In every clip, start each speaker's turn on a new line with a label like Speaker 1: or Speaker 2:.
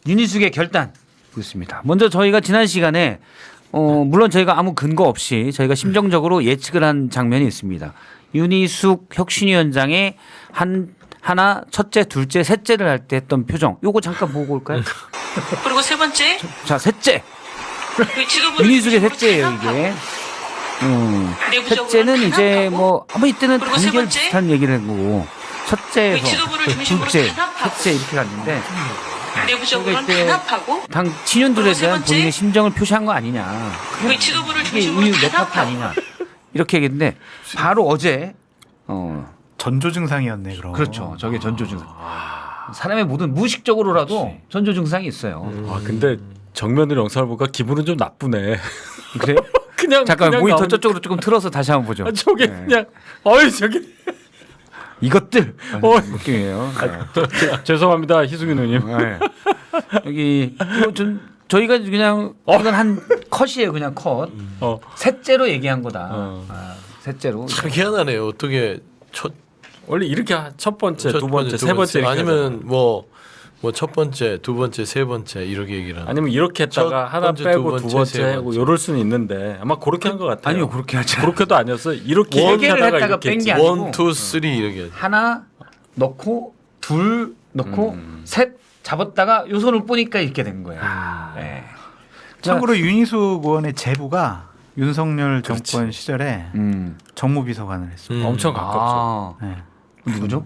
Speaker 1: 윤희숙의 결단 보겠습니다. 먼저 저희가 지난 시간에 물론 저희가 아무 근거 없이 저희가 심정적으로 예측을 한 장면이 있습니다. 윤희숙 혁신위원장의 하나, 첫째, 둘째, 셋째를 할 때 했던 표정. 요거 잠깐 보고 올까요?
Speaker 2: 그리고 세 번째
Speaker 1: 자, 셋째.
Speaker 2: 지도부를
Speaker 1: 윤희숙의
Speaker 2: 중심으로
Speaker 1: 셋째예요, 이게. 셋째는 이제 뭐 아무 이때는
Speaker 2: 그리고 세
Speaker 1: 단결
Speaker 2: 번째?
Speaker 1: 비슷한 얘기를 했고 첫째에서
Speaker 2: 지도부를 중심으로
Speaker 1: 둘째,
Speaker 2: 탄압하고
Speaker 1: 셋째 이렇게 갔는데
Speaker 2: 내부적으로는
Speaker 1: 이때
Speaker 2: 탄압하고
Speaker 1: 당 친윤들에
Speaker 2: 그리고 세
Speaker 1: 대한
Speaker 2: 번째?
Speaker 1: 본인의 심정을 표시한 거 아니냐.
Speaker 2: 그 지도부를
Speaker 1: 이게
Speaker 2: 중심으로
Speaker 1: 우유 내 탓
Speaker 2: 탄압하고
Speaker 1: 아니냐. 이렇게 얘기했는데 바로 어제
Speaker 3: 전조 증상이었네 그럼.
Speaker 1: 그렇죠. 저게 전조 증상. 사람의 모든 무의식적으로라도 전조 증상이 있어요.
Speaker 4: 아 근데 정면으로 영상을 보니까 기분은 좀 나쁘네.
Speaker 1: 그래요?
Speaker 4: 그냥
Speaker 1: 잠깐
Speaker 4: 그냥
Speaker 1: 모니터
Speaker 4: 나오니까.
Speaker 1: 저쪽으로 조금 틀어서 다시 한번 보죠.
Speaker 4: 아, 저게
Speaker 1: 네.
Speaker 4: 그냥 어이 저기
Speaker 1: 이것들
Speaker 4: 어.
Speaker 1: 느낌이에요. 네.
Speaker 4: 죄송합니다 희숙이 누님.
Speaker 1: 네. 여기 이거 좀 저희가 그냥 이건 한 컷이에요, 그냥 컷. 셋째로 얘기한 거다. 셋째로.
Speaker 5: 참 희한하네요. 어떻게
Speaker 4: 원래 이렇게 첫 번째, 두 번째, 세 번째 이렇게
Speaker 5: 아니면 뭐 첫 번째, 두 번째, 세 번째 이렇게 얘기를 하나?
Speaker 4: 아니면 이렇게 했다가
Speaker 5: 첫
Speaker 4: 하나
Speaker 5: 번째,
Speaker 4: 빼고
Speaker 5: 두
Speaker 4: 두
Speaker 5: 번째,
Speaker 4: 번째
Speaker 5: 세
Speaker 4: 하고
Speaker 5: 번째.
Speaker 4: 요럴 수는 있는데 아마 그렇게 한 것 같아요.
Speaker 1: 아니요, 그렇게 하지.
Speaker 4: 그렇게도 아니었어. 이렇게
Speaker 1: 원
Speaker 4: 얘기하다가
Speaker 1: 개를 했다가
Speaker 4: 이렇게
Speaker 1: 뺀 게
Speaker 4: 했지.
Speaker 1: 아니고.
Speaker 5: 원, 투, 쓰리 이렇게.
Speaker 1: 하나 넣고 둘 넣고 셋 잡았다가 요 손을 뿌니까 이렇게 된 거예요. 네.
Speaker 3: 참고로 윤희숙 의원의 제부가 윤석열 정권 시절에 정무비서관을 했습니다.
Speaker 4: 엄청 가깝죠.
Speaker 1: 아,
Speaker 3: 네.
Speaker 1: 누구죠?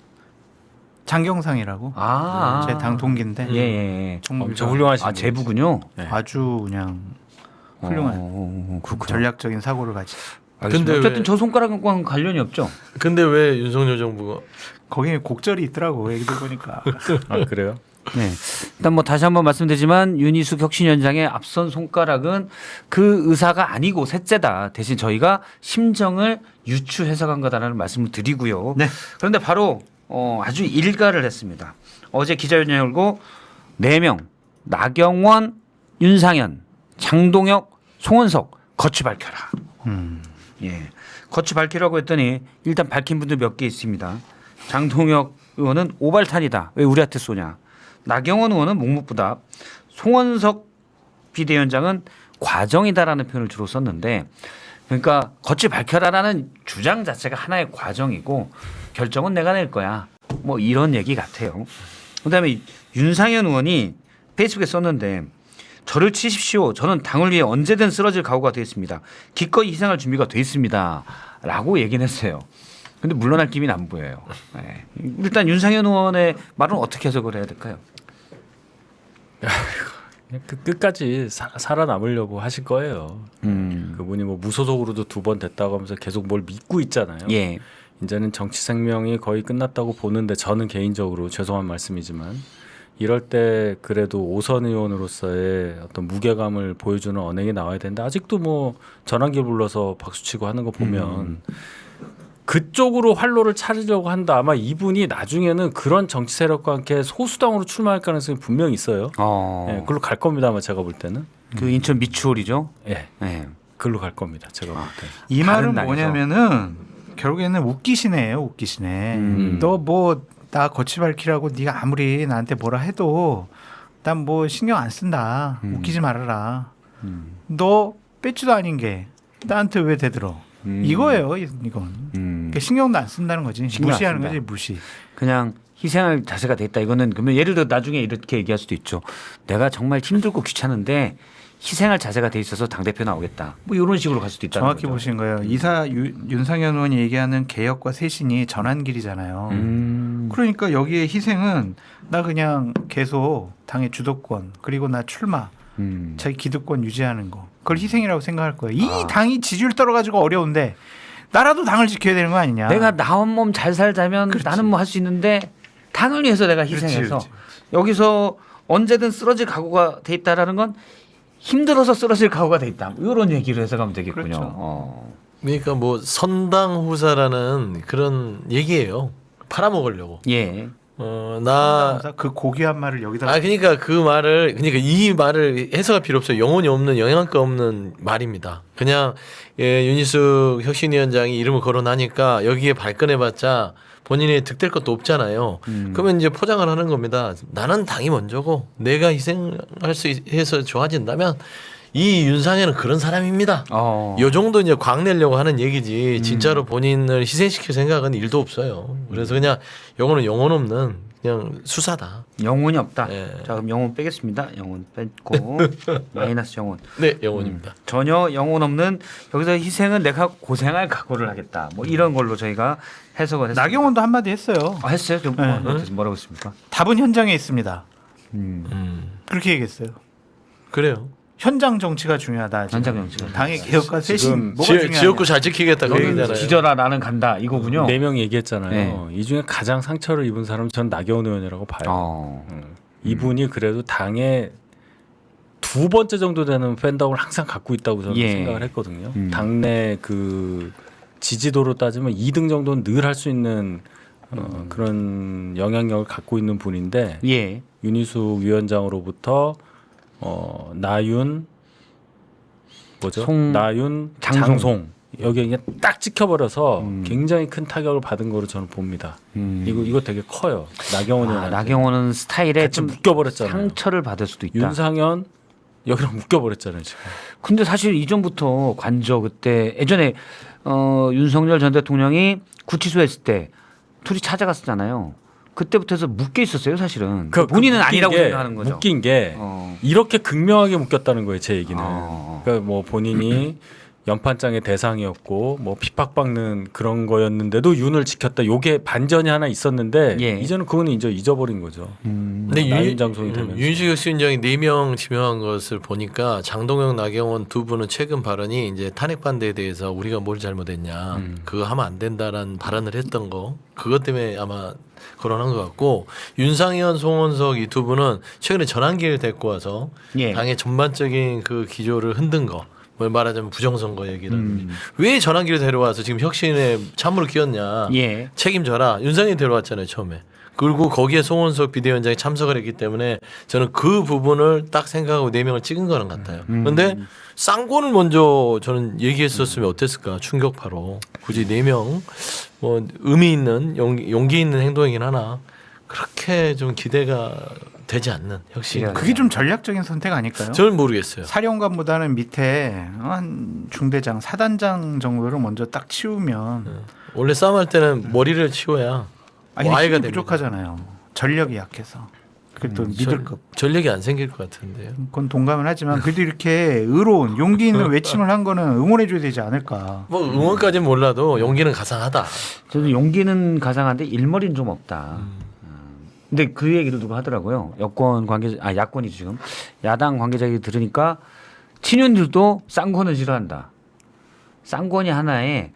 Speaker 3: 장경상이라고 제 당 동기인데
Speaker 1: 예, 예.
Speaker 3: 정무비서관.
Speaker 4: 엄청 훌륭하신
Speaker 1: 아, 제부군요.
Speaker 4: 네.
Speaker 3: 아주 그냥 훌륭한
Speaker 1: 그렇군요.
Speaker 3: 전략적인 사고를 가진.
Speaker 1: 근데
Speaker 5: 근데
Speaker 1: 어쨌든
Speaker 5: 왜-
Speaker 1: 저 손가락과는 관련이 없죠.
Speaker 5: 근데 왜 윤석열 정부가
Speaker 3: 거기에 곡절이 있더라고 얘기들 보니까.
Speaker 4: 아 그래요?
Speaker 1: 네. 일단 뭐 다시 한번 말씀드리지만 윤희숙 혁신위원장의 앞선 손가락은 그 의사가 아니고 셋째다. 대신 저희가 심정을 유추해석한 거다라는 말씀을 드리고요.
Speaker 3: 네.
Speaker 1: 그런데 바로 아주 일가를 했습니다. 어제 기자회견 열고 4명 나경원, 윤상현, 장동혁, 송원석 거취 밝혀라. 예, 거취 밝히라고 했더니 일단 밝힌 분들 몇 개 있습니다. 장동혁 의원은 오발탄이다. 왜 우리한테 쏘냐. 나경원 의원은 묵묵부답. 송원석 비대위원장은 과정이다라는 표현을 주로 썼는데 그러니까 거취 밝혀라라는 주장 자체가 하나의 과정이고 결정은 내가 낼 거야. 뭐 이런 얘기 같아요. 그다음에 윤상현 의원이 페이스북에 썼는데 저를 치십시오. 저는 당을 위해 언제든 쓰러질 각오가 되어 있습니다. 기꺼이 희생할 준비가 되어 있습니다. 라고 얘기는 했어요. 근데 물러날 기미는 안 보여요. 네. 일단 윤상현 의원의 말은 어떻게 해석을 해야 될까요?
Speaker 4: 그냥 끝까지 살아남으려고 하실 거예요. 그분이 뭐 무소속으로도 2번 됐다고 하면서 계속 뭘 믿고 있잖아요.
Speaker 1: 예.
Speaker 4: 이제는 정치 생명이 거의 끝났다고 보는데 저는 개인적으로 죄송한 말씀이지만 이럴 때 그래도 오선 의원으로서의 어떤 무게감을 보여주는 언행이 나와야 되는데 아직도 뭐 전환기 불러서 박수치고 하는 거 보면 그쪽으로 활로를 차리려고 한다. 아마 이분이 나중에는 그런 정치 세력과 함께 소수당으로 출마할 가능성이 분명히 있어요. 예, 그걸로 갈 겁니다. 아마 제가 볼 때는.
Speaker 1: 그 인천 미추홀이죠.
Speaker 4: 예,
Speaker 1: 네.
Speaker 4: 그걸로 갈 겁니다. 제가 볼 때.
Speaker 3: 이
Speaker 1: 다른
Speaker 3: 말은
Speaker 1: 당에서.
Speaker 3: 뭐냐면은 결국에는 웃기시네요, 웃기시네. 너 뭐 나 거치 밝히라고 네가 아무리 나한테 뭐라 해도 난 뭐 신경 안 쓴다. 웃기지 말아라. 너 배지도 아닌 게 나한테 왜 대들어? 이거예요, 이건. 그러니까 신경도 안 쓴다는 거지.
Speaker 1: 신경 안
Speaker 3: 무시하는
Speaker 1: 쓴다.
Speaker 3: 거지, 무시.
Speaker 1: 그냥 희생할 자세가 됐다. 이거는 그러면 예를 들어 나중에 이렇게 얘기할 수도 있죠. 내가 정말 힘들고 귀찮은데 희생할 자세가 돼 있어서 당대표 나오겠다. 뭐 이런 식으로 갈 수도 있다는
Speaker 3: 정확히
Speaker 1: 거죠.
Speaker 3: 보신 거예요. 윤상현 의원이 얘기하는 개혁과 쇄신이 전환길이잖아요. 그러니까 여기에 희생은 나 그냥 계속 당의 주도권 그리고 나 출마 자기 기득권 유지하는 거 그걸 희생이라고 생각할 거예요. 이 당이 지지율 떨어가지고 어려운데 나라도 당을 지켜야 되는 거 아니냐.
Speaker 1: 내가 나 한 몸 잘 살자면
Speaker 3: 그렇지.
Speaker 1: 나는 뭐 할 수 있는데 당을 위해서 내가 희생해서
Speaker 3: 그렇지.
Speaker 1: 여기서 언제든 쓰러질 각오가 돼 있다라는 건 힘들어서 쓰러질 각오가 돼 있다. 이런 얘기를 해석하면 되겠군요.
Speaker 3: 그렇죠.
Speaker 5: 그러니까 뭐 선당 후사라는 그런 얘기예요. 팔아먹으려고.
Speaker 1: 예.
Speaker 5: 나
Speaker 3: 그 고귀한 말을 여기다
Speaker 5: 그러니까 그 말을 그러니까 이 말을 해석할 필요 없어요. 영혼이 없는 영양가 없는 말입니다. 그냥 윤희숙 혁신위원장이 이름을 거론하니까 여기에 발끈해봤자 본인이 득될 것도 없잖아요. 그러면 이제 포장을 하는 겁니다. 나는 당이 먼저고 내가 희생할 수 해서 좋아진다면 이 윤상현은 그런 사람입니다. 요 정도 이제 광내려고 하는 얘기지 진짜로 본인을 희생시킬 생각은 일도 없어요. 그래서 그냥 영혼은 영혼 없는 그냥 수사다.
Speaker 1: 영혼이 없다.
Speaker 5: 네.
Speaker 1: 자 그럼 영혼 빼겠습니다. 영혼 뺐고 마이너스 영혼.
Speaker 5: 네, 영혼입니다.
Speaker 1: 전혀 영혼 없는 여기서 희생은 내가 고생할 각오를 하겠다. 뭐 이런 걸로 저희가 해석을 했습니다.
Speaker 3: 나경원도 한마디 했어요.
Speaker 1: 했어요? 좀
Speaker 3: 네.
Speaker 1: 뭐라고 했습니까?
Speaker 3: 답은 현장에 있습니다.
Speaker 5: 음.
Speaker 3: 그렇게 얘기했어요.
Speaker 5: 그래요.
Speaker 3: 현장 정치가 중요하다. 지금.
Speaker 1: 현장 정치가.
Speaker 3: 당의 개혁과 쇄신
Speaker 4: 지금
Speaker 3: 뭐가 중요하냐.
Speaker 5: 지역구 잘 지키겠다 그
Speaker 1: 너는
Speaker 5: 얘기잖아요.
Speaker 1: 지져라 나는 간다 이거군요.
Speaker 4: 4명 얘기했잖아요.
Speaker 1: 네.
Speaker 4: 이 중에 가장 상처를 입은 사람은 전 나경원 의원이라고 봐요.
Speaker 1: 어.
Speaker 4: 이분이 그래도 당의 2번째 정도 되는 팬덤을 항상 갖고 있다고 저는
Speaker 1: 예.
Speaker 4: 생각을 했거든요.
Speaker 1: 음.
Speaker 4: 당내 그 지지도로 따지면 2등 정도는 늘 할 수 있는 그런 영향력을 갖고 있는 분인데
Speaker 1: 예.
Speaker 4: 윤희숙 위원장으로부터 나윤 뭐죠? 나윤 장송 여기 그냥 딱 찍혀버려서 굉장히 큰 타격을 받은 거로 저는 봅니다. 이거 되게 커요. 나경원 의원
Speaker 1: 나경원은 스타일에
Speaker 4: 같이
Speaker 1: 좀
Speaker 4: 묶여버렸잖아요.
Speaker 1: 상처를 받을 수도 있다.
Speaker 4: 윤상현 여기랑 묶여버렸잖아요 지금.
Speaker 1: 근데 사실 이전부터 관저 그때 예전에 윤석열 전 대통령이 구치소에 있을 때 둘이 찾아갔었잖아요. 그때부터 해서 묶여 있었어요 사실은. 본인은
Speaker 4: 묶인
Speaker 1: 아니라고
Speaker 4: 게,
Speaker 1: 생각하는 거죠.
Speaker 4: 묶인 게 이렇게 극명하게 묶였다는 거예요 제 얘기는. 그러니까 뭐 본인이 연판장의 대상이었고 뭐 핍박받는 그런 거였는데도 윤을 지켰다. 요게 반전이 하나 있었는데
Speaker 1: 예.
Speaker 4: 이제는 그거는 이제 잊어버린 거죠.
Speaker 5: 근데
Speaker 4: 나윤 장송이 되면서.
Speaker 5: 윤식혁 위원장이 4명 지명한 것을 보니까 장동영, 나경원 두 분은 최근 발언이 이제 탄핵 반대에 대해서 우리가 뭘 잘못했냐 그거 하면 안 된다라는 발언을 했던 거 그것 때문에 아마 거론한 것 같고 윤상현, 송원석 이 두 분은 최근에 전환기를 데리고 와서
Speaker 1: 예.
Speaker 5: 당의 전반적인 그 기조를 흔든 거. 뭘 말하자면 부정선거 얘기를 왜 전환기를 데려와서 지금 혁신에 참으로 끼었냐
Speaker 1: 예.
Speaker 5: 책임져라 윤상현이 데려왔잖아요 처음에 그리고 거기에 송원석 비대위원장이 참석을 했기 때문에 저는 그 부분을 딱 생각하고 4명을 찍은 거는 같아요 그런데 쌍권을 먼저 저는 얘기했었으면 어땠을까 충격파로 굳이 4명 뭐 의미 있는 용기 있는 행동이긴 하나 그렇게 좀 기대가 되지 않는 혁신
Speaker 3: 그게 좀 전략적인 선택 아닐까요?
Speaker 5: 저는 모르겠어요.
Speaker 3: 사령관보다는 밑에 한 중대장, 사단장 정도를 먼저 딱 치우면
Speaker 5: 원래 싸움할 때는 머리를 치워야
Speaker 3: 아니
Speaker 5: 와해가
Speaker 3: 힘이
Speaker 5: 됩니다.
Speaker 3: 부족하잖아요. 전력이 약해서. 그게 또 믿을급.
Speaker 5: 전력이 안 생길 것 같은데요.
Speaker 3: 그건 동감은 하지만 그래도 이렇게 의로운 용기 있는 외침을 한 거는 응원해줘야 되지 않을까.
Speaker 5: 뭐 응원까지는 몰라도 용기는 가상하다.
Speaker 1: 저도 용기는 가상한데 일머리는 좀 없다. 근데 그 얘기도 누가 하더라고요. 여권 관계자, 야권이 지금 야당 관계자 얘기 들으니까 친윤들도 쌍권을 싫어한다. 쌍권이 하나의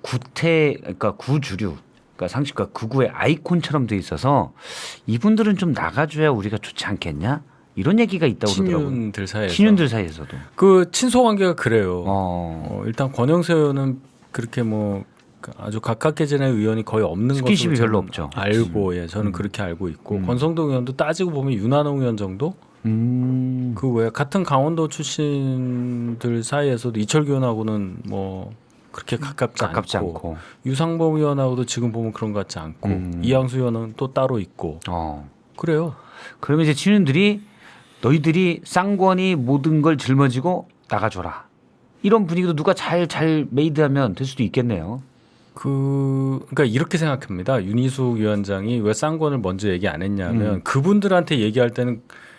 Speaker 1: 그러니까 구주류, 그러니까 상식과 극우의 아이콘처럼 돼 있어서 이분들은 좀 나가줘야 우리가 좋지 않겠냐? 이런 얘기가 있다고 그러더라고요.
Speaker 4: 친윤들 사이에서.
Speaker 1: 친윤들 사이에서도.
Speaker 4: 그 친소 관계가 그래요. 일단 권영세 의원은 그렇게 뭐 아주 가깝게 지낸 의원이 거의 없는
Speaker 1: 스킨십이
Speaker 4: 것으로
Speaker 1: 별로
Speaker 4: 저는
Speaker 1: 없죠.
Speaker 4: 알고 저는 그렇게 알고 있고 권성동 의원도 따지고 보면 윤한홍 의원 정도 그 외에 같은 강원도 출신들 사이에서도 이철규 의원하고는 뭐 그렇게 가깝지 않고 유상범 의원하고도 지금 보면 그런 것 같지 않고 이양수 의원은 또 따로 있고 그래요.
Speaker 1: 그러면 이제 친윤들이 너희들이 쌍권이 모든 걸 짊어지고 나가줘라. 이런 분위기도 누가 잘 메이드하면 될 수도 있겠네요.
Speaker 4: 그러니까 이렇게 생각합니다. 윤희숙 위원장이 왜 쌍권을 먼저 얘기 안 했냐면 그분들한테 얘기할 때는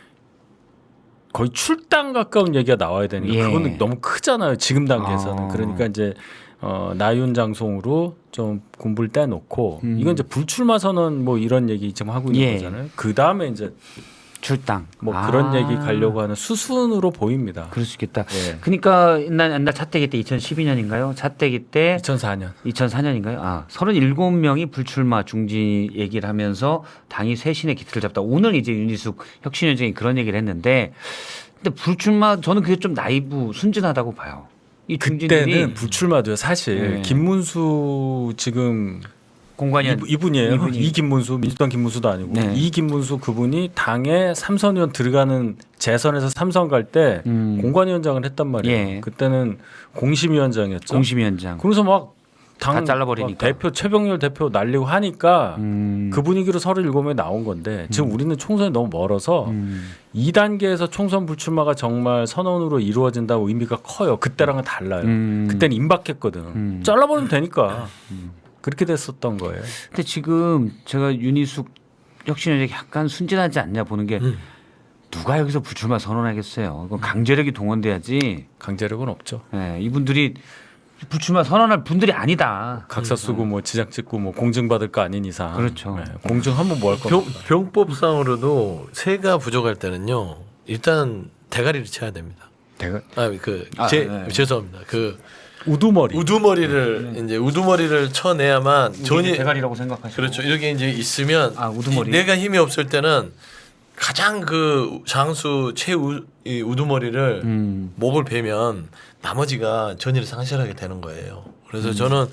Speaker 4: 거의 출당 가까운 얘기가 나와야 되니까
Speaker 1: 예.
Speaker 4: 그거는 너무 크잖아요. 지금 단계에서는. 그러니까 이제 나윤 장송으로 좀 공부를 떼놓고 이건 이제 불출마 선언 뭐 이런 얘기 지금 하고 있는
Speaker 1: 예.
Speaker 4: 거잖아요. 그 다음에 이제
Speaker 1: 출당.
Speaker 4: 뭐 그런 얘기 가려고 하는 수순으로 보입니다.
Speaker 1: 그럴 수 있겠다.
Speaker 4: 예.
Speaker 1: 그러니까 옛날 차떼기 때 2012년인가요? 차떼기 때
Speaker 4: 2004년.
Speaker 1: 2004년인가요? 37명이 불출마 중지 얘기를 하면서 당이 쇄신의 기틀을 잡다. 오늘 이제 윤희숙 혁신위원장이 그런 얘기를 했는데 근데 불출마 저는 그게 좀 나이브 순진하다고 봐요. 이 중진들이
Speaker 4: 그때는 불출마도요. 사실
Speaker 1: 네.
Speaker 4: 김문수 지금
Speaker 1: 공관위원
Speaker 4: 이분이에요.
Speaker 1: 이분이.
Speaker 4: 이 김문수 민주당 김문수도 아니고
Speaker 1: 네.
Speaker 4: 이 김문수 그분이 당에 삼선 의원 들어가는 재선에서 삼선 갈 때 공관위원장을 했단 말이에요.
Speaker 1: 예.
Speaker 4: 그때는 공심위원장이었죠.
Speaker 1: 공심위원장.
Speaker 4: 그래서 막
Speaker 1: 다
Speaker 4: 당
Speaker 1: 잘라버리니까.
Speaker 4: 대표 최병렬 대표 날리고 하니까
Speaker 1: 음.
Speaker 4: 그 분위기로 37명이 나온 건데 지금 우리는 총선이 너무 멀어서 2단계에서 총선 불출마가 정말 선언으로 이루어진다고 의미가 커요. 그때랑은 달라요. 그때는 임박했거든. 잘라버리면 되니까 그렇게 됐었던 거예요.
Speaker 1: 근데 지금 제가 윤희숙 혁신위원장이 약간 순진하지 않냐 보는 게 누가 여기서 불출마 선언하겠어요. 그건 강제력이 동원돼야지.
Speaker 4: 강제력은 없죠.
Speaker 1: 예, 이분들이 불출마 선언할 분들이 아니다.
Speaker 4: 각서 쓰고 뭐 지장 찍고 뭐 공증 받을 거 아닌 이상.
Speaker 1: 그렇죠.
Speaker 4: 공증하면 뭐 할 겁니까?
Speaker 5: 병법상으로도 세가 부족할 때는요. 일단 대가리를 쳐야 됩니다.
Speaker 1: 네.
Speaker 5: 죄송합니다. 그
Speaker 4: 우두머리.
Speaker 5: 우두머리를 이제 우두머리를 쳐내야만 전이
Speaker 1: 대가리라고 생각하시고.
Speaker 5: 그렇죠. 이렇게 이제 있으면
Speaker 1: 우두머리.
Speaker 5: 내가 힘이 없을 때는 가장 그 장수 이 우두머리를 목을 베면 나머지가 전의를 상실하게 되는 거예요. 그래서 저는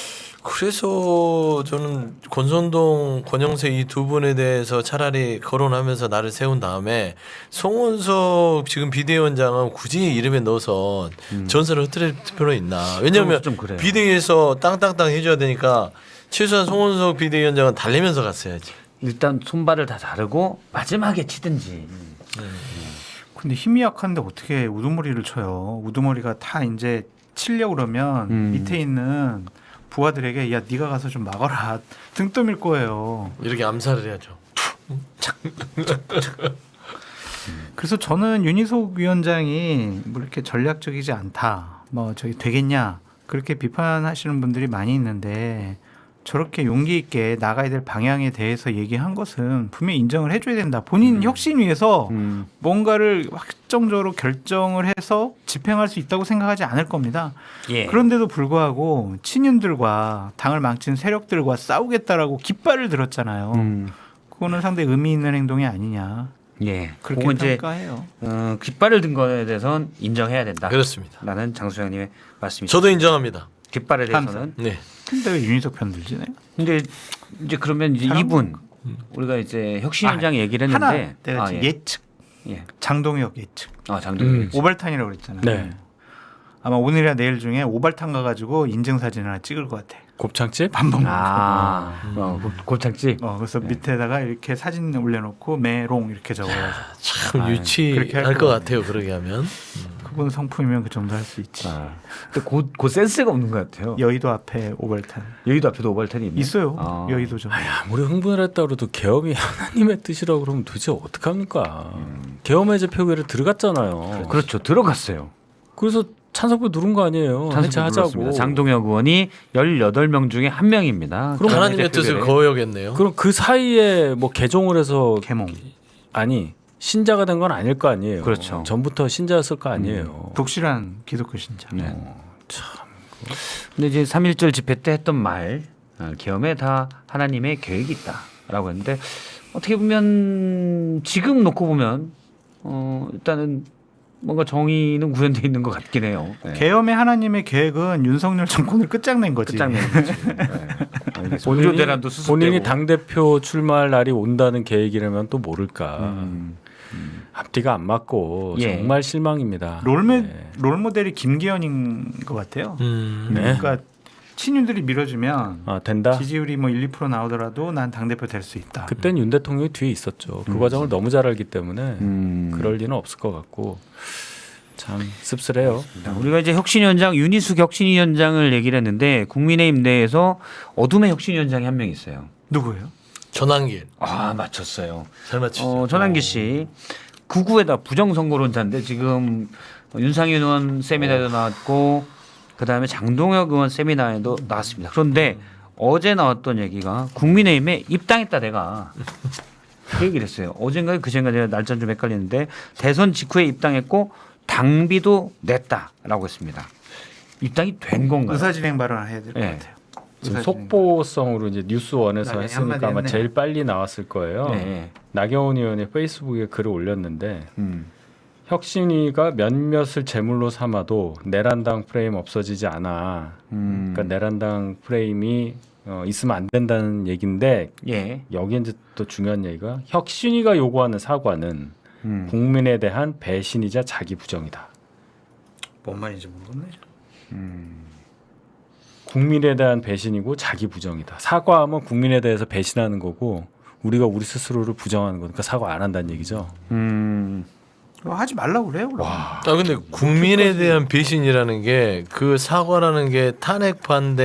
Speaker 5: 권선동, 권영세 이 두 분에 대해서 차라리 거론하면서 나를 세운 다음에 송원석 지금 비대위원장은 굳이 이름에 넣어서 전설을 흩트릴 필요는 있나? 왜냐하면
Speaker 1: 좀 그래요.
Speaker 5: 비대위에서 땅땅땅 해줘야 되니까 최소한 송원석 비대위원장은 달래면서 갔어야지.
Speaker 1: 일단 손발을 다 자르고 마지막에 치든지.
Speaker 3: 근데 힘이 약한데 어떻게 우두머리를 쳐요? 우두머리가 다 이제 치려고 그러면 밑에 있는 부하들에게 야 네가 가서 좀 막아라 등 떠밀 거예요.
Speaker 5: 이렇게 암살을 해야죠.
Speaker 3: 그래서 저는 윤희숙 위원장이 뭐 이렇게 전략적이지 않다. 뭐 저기 되겠냐 그렇게 비판하시는 분들이 많이 있는데 저렇게 용기 있게 나가야 될 방향에 대해서 얘기한 것은 분명히 인정을 해줘야 된다. 본인 혁신 위해서 뭔가를 확정적으로 결정을 해서 집행할 수 있다고 생각하지 않을 겁니다.
Speaker 1: 예.
Speaker 3: 그런데도 불구하고 친윤들과 당을 망친 세력들과 싸우겠다라고 깃발을 들었잖아요. 그거는 상당히 의미 있는 행동이 아니냐.
Speaker 1: 예.
Speaker 3: 그렇게
Speaker 1: 그거 이제
Speaker 3: 평가해요.
Speaker 1: 깃발을 든 거에 대해서는 인정해야 된다.
Speaker 5: 그렇습니다.
Speaker 1: 라는 장수장님의 말씀이죠.
Speaker 5: 저도 인정합니다.
Speaker 1: 깃발에 대해서는.
Speaker 5: 네.
Speaker 3: 근데 왜 윤희숙 편 들지네?
Speaker 1: 근데 이제 그러면 이제
Speaker 3: 사람
Speaker 1: 이분 우리가 이제 혁신위원장 얘기를
Speaker 3: 하나
Speaker 1: 했는데
Speaker 3: 내가 지금 예측.
Speaker 1: 예.
Speaker 3: 장동혁 예측.
Speaker 1: 장동혁.
Speaker 3: 오발탄이라고 그랬잖아요.
Speaker 4: 네.
Speaker 3: 아마 오늘이나 내일 중에 오발탄 가가지고 인증 사진 하나 찍을 것 같아.
Speaker 4: 곱창집?
Speaker 3: 밥 먹는
Speaker 1: 곱창집.
Speaker 3: 그래서 밑에다가 이렇게 사진 올려놓고 메롱 이렇게 적어가지고
Speaker 5: 참
Speaker 3: 그렇게
Speaker 5: 유치할
Speaker 3: 할
Speaker 5: 것
Speaker 3: 것
Speaker 5: 같아요. 그러게 하면.
Speaker 3: 그분 성품이면 그 정도 할 수 있지.
Speaker 1: 근데 그 센스가 없는 것 같아요.
Speaker 3: 여의도 앞에 오발탄
Speaker 1: 여의도 앞에도 오발탄이 있나요?
Speaker 3: 있어요. 여의도 좀.
Speaker 4: 아무리 흥분을 했다 그래도 계엄이 하나님의 뜻이라고 그러면 도대체 어떡합니까? 계엄 해제 표결에 들어갔잖아요.
Speaker 1: 그렇죠. 들어갔어요.
Speaker 4: 그래서 찬성표 누른 거 아니에요. 해체하자고.
Speaker 1: 눌렀습니다. 장동혁 의원이 18명 중에 한 명입니다.
Speaker 5: 그럼 하나님의 뜻을 거역했네요.
Speaker 4: 그럼 그 사이에 뭐 개종을 해서
Speaker 3: 개몽.
Speaker 4: 아니 신자가 된 건 아닐 거 아니에요.
Speaker 1: 그렇죠.
Speaker 4: 전부터 신자였을 거 아니에요.
Speaker 3: 독실한 기독교 신자.
Speaker 1: 네. 근데 이제 3.1절 집회 때 했던 말 계엄에 다 하나님의 계획이 있다라고 했는데 어떻게 보면 지금 놓고 보면 일단은 뭔가 정의는 구현돼 있는 것 같긴 해요. 네.
Speaker 3: 계엄의 하나님의 계획은 윤석열 정권을 끝장낸 거지.
Speaker 1: 끝장낸 거지. 네. 본조 대란도 수습되고.
Speaker 4: 본인이 당 대표 출마할 날이 온다는 계획이라면 또 모를까. 앞뒤가 안 맞고
Speaker 1: 예.
Speaker 4: 정말 실망입니다.
Speaker 3: 롤모델이 김기현인 것 같아요.
Speaker 4: 네.
Speaker 3: 그러니까 친윤들이 밀어주면
Speaker 4: 된다.
Speaker 3: 지지율이 뭐 1, 2% 나오더라도 난 당대표 될 수 있다.
Speaker 4: 그땐 윤 대통령이 뒤에 있었죠. 그 과정을 너무 잘 알기 때문에 그럴 리는 없을 것 같고 참 씁쓸해요.
Speaker 1: 우리가 이제 혁신위원장 윤희숙 혁신위원장을 얘기를 했는데 국민의힘 내에서 어둠의 혁신위원장이 한 명 있어요.
Speaker 3: 누구예요?
Speaker 5: 전환길.
Speaker 1: 맞췄어요.
Speaker 5: 잘 맞추죠.
Speaker 1: 전환기 씨 구구에다 부정선거론자인데 지금 윤상현 의원 세미나에도 나왔고 그다음에 장동혁 의원 세미나에도 나왔습니다. 그런데 어제 나왔던 얘기가 국민의힘에 입당했다 내가 그 얘기를 했어요. 어젠가 그젠가 제가 날짜는 좀 헷갈리는데 대선 직후에 입당했고 당비도 냈다라고 했습니다. 입당이 된 건가요?
Speaker 3: 의사진행 발언을 해야 될 것
Speaker 1: 네.
Speaker 3: 같아요.
Speaker 4: 지금
Speaker 3: 의사진행.
Speaker 4: 속보성으로 이제 뉴스원에서
Speaker 3: 나중에
Speaker 4: 했으니까
Speaker 3: 한마디
Speaker 4: 아마
Speaker 3: 했네.
Speaker 4: 제일 빨리 나왔을 거예요.
Speaker 1: 네.
Speaker 4: 나경원 의원이 페이스북에 글을 올렸는데 혁신위가 몇몇을 제물로 삼아도 내란당 프레임 없어지지 않아. 그러니까 내란당 프레임이 있으면 안 된다는 얘기인데
Speaker 1: 예.
Speaker 4: 여기 이제 또 중요한 얘기가 혁신위가 요구하는 사과는 국민에 대한 배신이자 자기 부정이다.
Speaker 3: 뭔 말인지 모르겠네.
Speaker 4: 국민에 대한 배신이고 자기 부정이다. 사과하면 국민에 대해서 배신하는 거고 우리가 우리 스스로를 부정하는 거니까 사과 안 한다는 얘기죠.
Speaker 3: 하지 말라고 그래요. 그럼.
Speaker 5: 근데 국민에 대한 배신이라는 게 그 사과라는 게 탄핵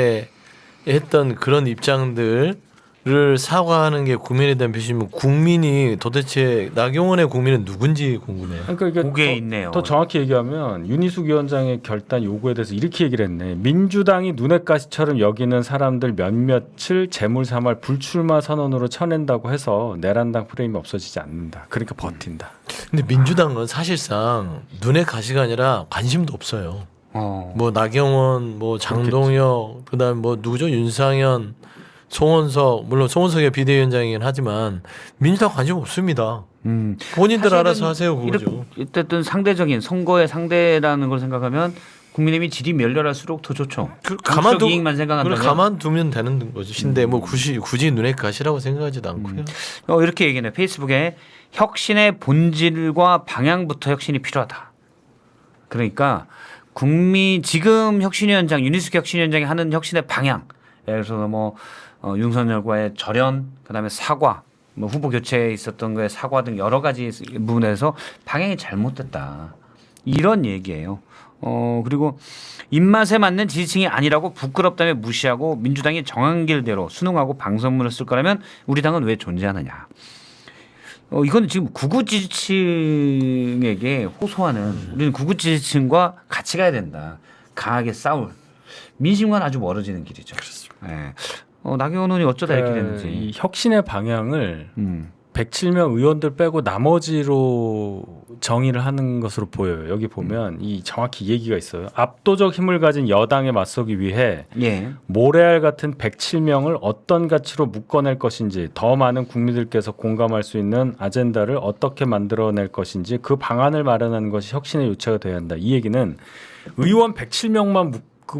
Speaker 5: 반대했던 그런 입장들을 사과하는 게 국민에 대한 배신이면 국민이 도대체 나경원의 국민은 누군지 궁금해요.
Speaker 4: 그러니까 이게
Speaker 1: 그게 있네요.
Speaker 4: 더 정확히 얘기하면 윤희숙 위원장의 결단 요구에 대해서 이렇게 얘기를 했네. 민주당이 눈엣 가시처럼 여기는 사람들 몇몇을 재물 삼할 불출마 선언으로 쳐낸다고 해서 내란당 프레임이 없어지지 않는다. 그러니까 버틴다.
Speaker 5: 근데 민주당은 사실상 눈에 가시가 아니라 관심도 없어요. 뭐 나경원, 뭐 장동혁, 그다음 뭐 누구죠? 윤상현, 송원석, 물론 송원석이 비대위원장이긴 하지만 민주당 관심 없습니다. 본인들 알아서 하세요 그거죠.
Speaker 1: 어쨌든 상대적인 선거의 상대라는 걸 생각하면 국민의힘이 질이 멸렬할수록 더 좋죠. 정치적 이익만 생각한다면
Speaker 5: 가만두면 되는 것인데 뭐 굳이 눈에 가시라고 생각하지도 않고요.
Speaker 1: 이렇게 얘기해요. 페이스북에 혁신의 본질과 방향부터 혁신이 필요하다. 그러니까 지금 혁신위원장 윤희숙 혁신위원장이 하는 혁신의 방향, 예를 들어서 뭐 윤석열과의 절연, 그다음에 사과, 뭐 후보 교체에 있었던 거에 사과 등 여러 가지 부분에서 방향이 잘못됐다. 이런 얘기예요. 그리고 입맛에 맞는 지지층이 아니라고 부끄럽다며 무시하고 민주당이 정한 길대로 순응하고 방송문을 쓸 거라면 우리 당은 왜 존재하느냐. 이건 지금 구구 지지층에게 호소하는 우리는 구구 지지층과 같이 가야 된다. 강하게 싸울. 민심과는 아주 멀어지는 길이죠. 그렇습니다. 네. 나경원 의원이 어쩌다 이렇게 됐는지.
Speaker 4: 이 혁신의 방향을 107명 의원들 빼고 나머지로 정의를 하는 것으로 보여요. 여기 보면 이 정확히 얘기가 있어요. 압도적 힘을 가진 여당에 맞서기 위해
Speaker 1: 예.
Speaker 4: 모래알 같은 107명을 어떤 가치로 묶어낼 것인지, 더 많은 국민들께서 공감할 수 있는 아젠다를 어떻게 만들어낼 것인지 그 방안을 마련하는 것이 혁신의 요체가 되어야 한다. 이 얘기는 의원 107명만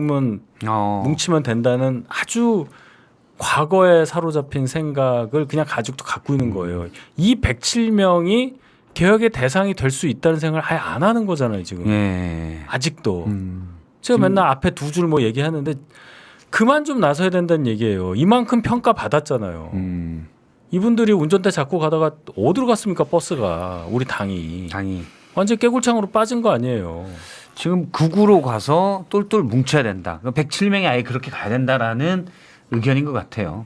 Speaker 4: 뭉치면 된다는 아주 과거에 사로잡힌 생각을 그냥 아직도 갖고 있는 거예요. 이 107명이 개혁의 대상이 될 수 있다는 생각을 아예 안 하는 거잖아요, 지금.
Speaker 1: 예.
Speaker 4: 아직도. 제가 맨날 앞에 두 줄 뭐 얘기하는데 그만 좀 나서야 된다는 얘기예요. 이만큼 평가 받았잖아요. 이분들이 운전대 잡고 가다가 어디로 갔습니까, 버스가. 우리 당이. 완전 깨굴창으로 빠진 거 아니에요.
Speaker 1: 지금 극우로 가서 똘똘 뭉쳐야 된다. 107명이 아예 그렇게 가야 된다라는 의견인 것 같아요.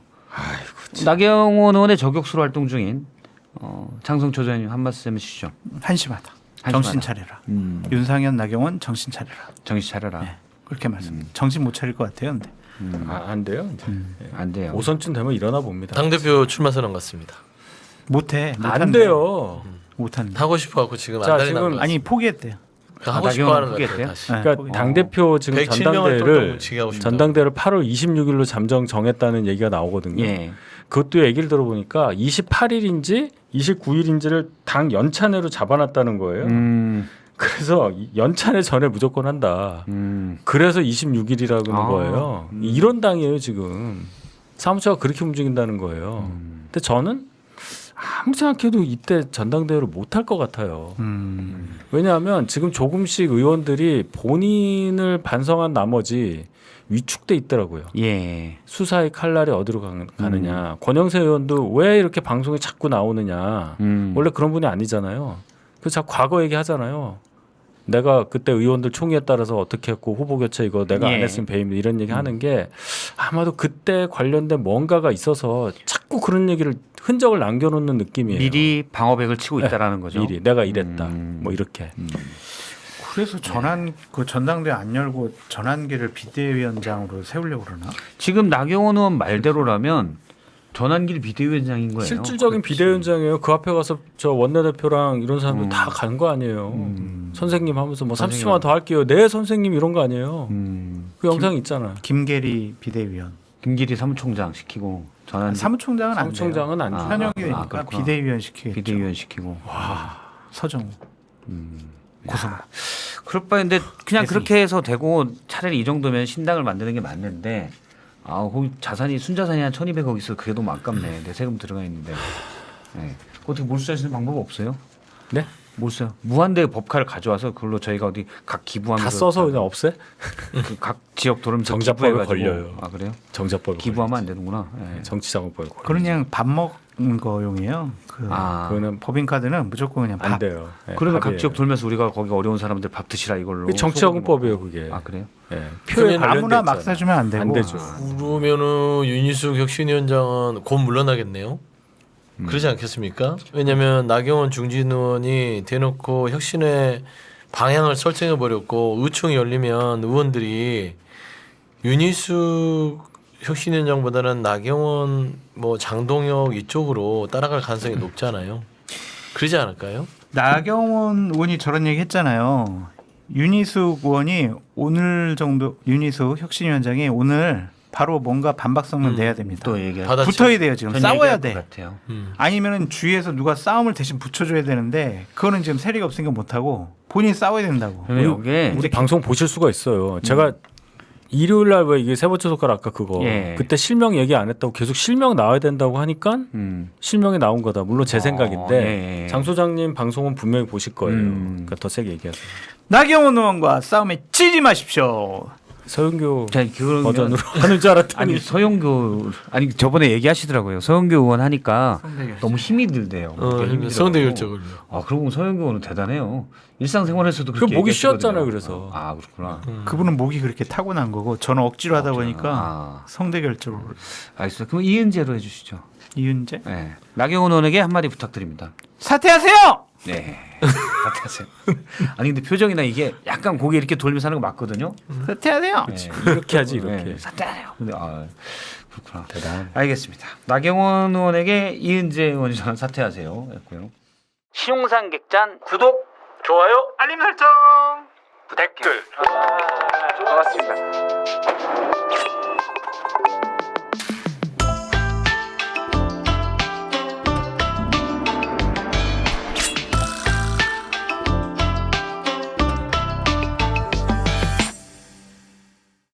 Speaker 1: 나경원 의원의 저격수로 활동 중인 장성초 의원님 한 말씀 해주시죠.
Speaker 3: 한심하다. 정신 차려라. 윤상현, 나경원 정신 차려라.
Speaker 1: 정신 차려라.
Speaker 3: 네, 그렇게 말씀. 정신 못 차릴 것 같아요. 근데
Speaker 4: 안 돼요.
Speaker 1: 안 돼요.
Speaker 4: 오선쯤 되면 일어나 봅니다.
Speaker 5: 당대표 출마 선언 같습니다.
Speaker 3: 못해.
Speaker 4: 안 돼요.
Speaker 3: 못한다.
Speaker 5: 하고 싶어갖고 지금
Speaker 4: 자,
Speaker 5: 안달이
Speaker 4: 지금
Speaker 5: 나는 것
Speaker 3: 아니 포기했대요.
Speaker 5: 하고 싶어 하는 것
Speaker 1: 포기했대요?
Speaker 5: 같아요. 다시.
Speaker 4: 그러니까 당대표 지금
Speaker 5: 107명을 똘똘 뭉치게 하고 싶다.
Speaker 4: 전당대회를 8월 26일로 잠정 정했다는 얘기가 나오거든요.
Speaker 1: 예.
Speaker 4: 그것도 얘기를 들어보니까 28일인지 29일인지를 당 연찬회로 잡아놨다는 거예요. 그래서 연찬회 전에 무조건 한다. 그래서 26일이라는 거예요. 이런 당이에요 지금. 사무처가 그렇게 움직인다는 거예요. 근데 저는 아무 생각해도 이때 전당대회를 못할 것 같아요. 왜냐하면 지금 조금씩 의원들이 본인을 반성한 나머지 위축돼 있더라고요.
Speaker 1: 예.
Speaker 4: 수사의 칼날이 어디로 가느냐. 권영세 의원도 왜 이렇게 방송에 자꾸 나오느냐. 원래 그런 분이 아니잖아요. 그래서 자꾸 과거 얘기하잖아요. 내가 그때 의원들 총의에 따라서 어떻게 했고 후보 교체 이거 내가 안 했으면 배임 이런 얘기 하는 게 아마도 그때 관련된 뭔가가 있어서 자꾸 그런 얘기를 흔적을 남겨놓는 느낌이에요.
Speaker 1: 미리 방어백을 치고 있다라는 거죠.
Speaker 4: 미리 내가 이랬다. 뭐 이렇게.
Speaker 3: 그래서 그 전당대회 안 열고 전환기를 비대위원장으로 세우려고 그러나?
Speaker 1: 지금 나경원 의원 말대로라면 전환길 비대위원장인 거예요.
Speaker 4: 실질적인 비대위원장이에요. 그 앞에 가서 저 원내대표랑 이런 사람들 다 간 거 아니에요. 선생님 하면서 뭐 30초만 더 할게요. 네 선생님 이런 거 아니에요. 그 영상 있잖아.
Speaker 3: 김계리 비대위원.
Speaker 1: 김기리 사무총장 시키고 전환
Speaker 3: 사무총장은 안 돼요.
Speaker 4: 사무총장은 안
Speaker 3: 현역이니까
Speaker 1: 그렇구나.
Speaker 3: 비대위원 시키겠죠.
Speaker 1: 비대위원 시키고.
Speaker 3: 서정우. 고성.
Speaker 1: 그럴 바인데 그냥
Speaker 3: 대승이.
Speaker 1: 그렇게 해서 되고 차라리 이 정도면 신당을 만드는 게 맞는데 아, 거기 자산이 순자산이 한 1,200억 있어. 그게 너무 아깝네. 내 세금 들어가 있는데. 네. 어떻게 몰수할 수 있는 방법 없어요?
Speaker 4: 네?
Speaker 1: 몰수요. 무한대 법카를 가져와서 그걸로 저희가 어디 각 기부하면서
Speaker 4: 다 써서 그냥 없애?
Speaker 1: 그각 지역 돌면서
Speaker 4: 정자법에
Speaker 1: 기부해가지고.
Speaker 4: 걸려요.
Speaker 1: 아 그래요?
Speaker 4: 정자법에
Speaker 1: 기부하면 안 되는구나. 네.
Speaker 4: 정치자금법에 걸려.
Speaker 3: 그건 그냥 밥 먹는 거용이에요. 그
Speaker 1: 아,
Speaker 4: 그거는
Speaker 3: 법인카드는 무조건 그냥
Speaker 4: 안
Speaker 3: 밥.
Speaker 4: 돼요. 네,
Speaker 1: 그러면 각
Speaker 4: 밥이에요.
Speaker 1: 지역 돌면서 우리가 거기 어려운 사람들 밥 드시라 이걸로.
Speaker 4: 그게 정치자금법이에요,
Speaker 1: 소고기
Speaker 4: 그게.
Speaker 1: 먹고. 아 그래요?
Speaker 4: 예. 표에
Speaker 5: 그러면
Speaker 4: 관련돼
Speaker 3: 아무나 막
Speaker 4: 있잖아요.
Speaker 3: 사주면 안 되고.
Speaker 4: 안 되죠.
Speaker 5: 그러면은 윤희숙 혁신위원장은 곧 물러나겠네요. 그러지 않겠습니까? 왜냐하면 나경원 중진 의원이 대놓고 혁신의 방향을 설정해 버렸고 의총이 열리면 의원들이 윤희숙 혁신위원장보다는 나경원 뭐 장동혁 이쪽으로 따라갈 가능성이 높잖아요. 그러지 않을까요?
Speaker 3: 나경원 의원이 저런 얘기 했잖아요. 윤희숙 의원이 오늘 정도 윤희숙 혁신위원장이 오늘 바로 뭔가 반박성을 내야 됩니다.
Speaker 1: 또 얘기.
Speaker 5: 받아-
Speaker 3: 붙어야 돼요 지금. 싸워야 돼.
Speaker 1: 같아요.
Speaker 3: 아니면은 주위에서 누가 싸움을 대신 붙여줘야 되는데 그거는 지금 세리가 없으니까 못하고 본인이 싸워야 된다고.
Speaker 1: 그러면 이게
Speaker 4: 우리 방송 보실 수가 있어요. 제가 일요일 날 왜 이게 세 번째 손가락 아까 그거
Speaker 1: 예.
Speaker 4: 그때 실명 얘기 안 했다고 계속 실명 나와야 된다고 하니까 실명이 나온 거다. 물론 제 생각인데
Speaker 1: 예.
Speaker 4: 장 소장님 방송은 분명히 보실 거예요.
Speaker 1: 음.
Speaker 4: 그러니까 더 세게 얘기하세요.
Speaker 3: 나경원 의원과 싸움에 찌지 마십시오.
Speaker 4: 서영교
Speaker 1: 자, 그러면
Speaker 4: 버전으로 하는 줄 알았더니
Speaker 1: 아니 서영교 아니 저번에 얘기하시더라고요. 서영교 의원 하니까
Speaker 3: 성대결절.
Speaker 1: 너무 힘이 들대요. 힘이 들어가지고.
Speaker 5: 성대결적으로.
Speaker 1: 아 그러고 보면 서영교 의원은 대단해요. 일상생활에서도 그렇게
Speaker 4: 목이
Speaker 1: 얘기하시거든요.
Speaker 4: 쉬었잖아요, 그래서.
Speaker 1: 아 그렇구나.
Speaker 3: 그분은 목이 그렇게 타고난 거고 저는 억지로 하다 보니까
Speaker 1: 아.
Speaker 3: 성대결절로.
Speaker 1: 알겠습니다. 그럼 이은재로 해주시죠.
Speaker 3: 이윤재
Speaker 1: 네. 나경원 의원에게 한마디 부탁드립니다.
Speaker 3: 사퇴하세요.
Speaker 1: 네. 같아하세요. 아니 근데 표정이나 이게 약간 고개 이렇게 돌면서 하는 거 맞거든요.
Speaker 3: 사퇴하세요.
Speaker 1: 네.
Speaker 4: 이렇게 하지 이렇게.
Speaker 1: 네. 사퇴하세요. 근데 아 그렇구나.
Speaker 4: 대단.
Speaker 1: 알겠습니다. 나경원 의원에게 이은재 의원이 저는 사퇴하세요. 했고요. 신용상 객잔 구독,
Speaker 3: 좋아요. 알림 설정.
Speaker 1: 댓글. 고맙습니다.